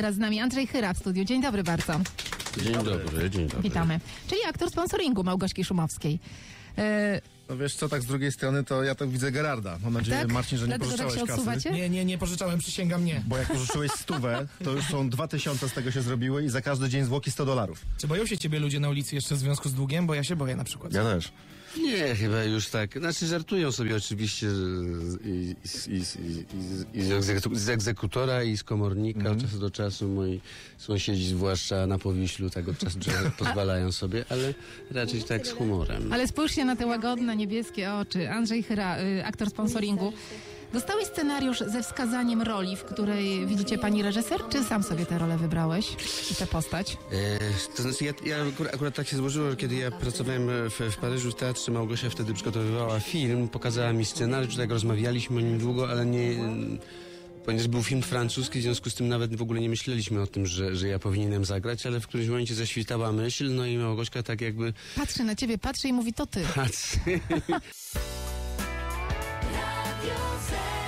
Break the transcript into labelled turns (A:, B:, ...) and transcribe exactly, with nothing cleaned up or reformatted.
A: teraz z nami Andrzej Chyra w studiu. Dzień dobry bardzo.
B: Dzień dobry, dzień dobry.
A: Witamy. Czyli aktor sponsoringu Małgorzki Szumowskiej. E...
C: No wiesz co, tak z drugiej strony to ja tak widzę Gerarda. Mam nadzieję,
A: Tak?
C: Marcin, że nie
A: Dlatego
C: pożyczałeś
A: tak się
C: kasy.
A: odsuwacie?
D: Nie, nie, nie pożyczałem, przysięgam nie.
C: Bo jak pożyczyłeś stówę, to już są dwa tysiące z tego się zrobiły i za każdy dzień zwłoki sto dolarów.
D: Czy boją się ciebie ludzie na ulicy jeszcze w związku z długiem? Bo ja się boję na przykład.
C: Ja też.
B: Nie, chyba już tak. Znaczy żartują sobie oczywiście z- i, i, i, i, i z, egzeku, z egzekutora i z komornika od czasu do czasu. Moi sąsiedzi, zwłaszcza na Powiślu, tak od czasu do czasu pozwalają sobie, ale raczej tak z humorem.
A: Ale spójrzcie na te łagodne, niebieskie oczy. Andrzej Chyra, y, aktor sponsoringu. Dostałeś scenariusz ze wskazaniem roli, w której widzicie pani reżyser, czy sam sobie tę rolę wybrałeś i tę postać?
B: E, to znaczy ja, ja akurat, akurat tak się złożyło, że kiedy ja pracowałem w, w Paryżu w teatrze, Małgosia wtedy przygotowywała film, pokazała mi scenariusz, tak rozmawialiśmy o nim długo, ale nie... Ponieważ był film francuski, w związku z tym nawet w ogóle nie myśleliśmy o tym, że, że ja powinienem zagrać, ale w którymś momencie zaświtała myśl, no i Małgośka tak jakby
A: Patrzy na ciebie, patrzy i mówi, to ty.
B: patrzy.
E: Radio Z.